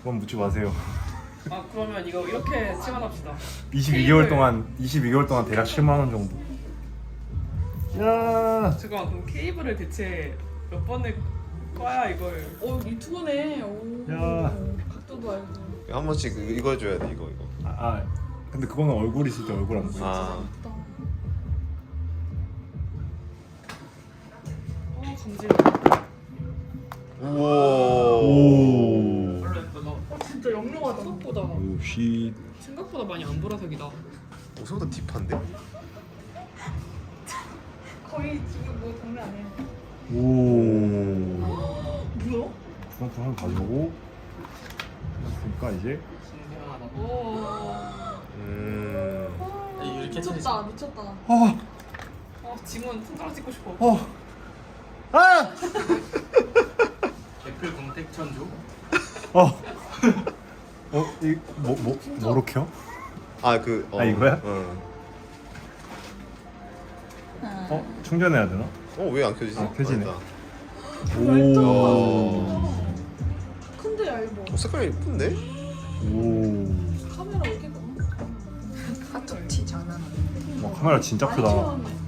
그건 묻지 마세요. 아 그러면 이거 이렇게 치환합시다. 22개월 동안 대략 7만 원 정도. 야. 잠깐 그럼 케이블을 대체 몇 번을 꺼야 이걸? 유튜브네. 오. 야. 각도도 알고. 한 번씩 이거 해줘야 돼 이거. 근데 그거는 얼굴 있을 때 얼굴 안 보여. 아. 감질. 우와. 오. 진짜 영롱하다. 생각보다 오씨. 생각보다 많이 안 보라색이다. 생각보다 딥한데? 거의 지금 뭐 장난 아니에요. 오. 뭐야? 주황색 한번 가져오고. 했으니까 이제. 신기하다. 이렇게 미쳤다 미쳤다. 지문 손가락 찍고 싶어. 애플 공택천조? 뭐로 켜? 이거야? 충전해야 되나? 왜 안 켜지지? 켜지네. 맞다. 오. 큰데 얇어. 색깔이 예쁜데? 카메라 왜 이렇게 카톡티 장난 아니야. 카메라 진짜 크다. 많이 채웠네.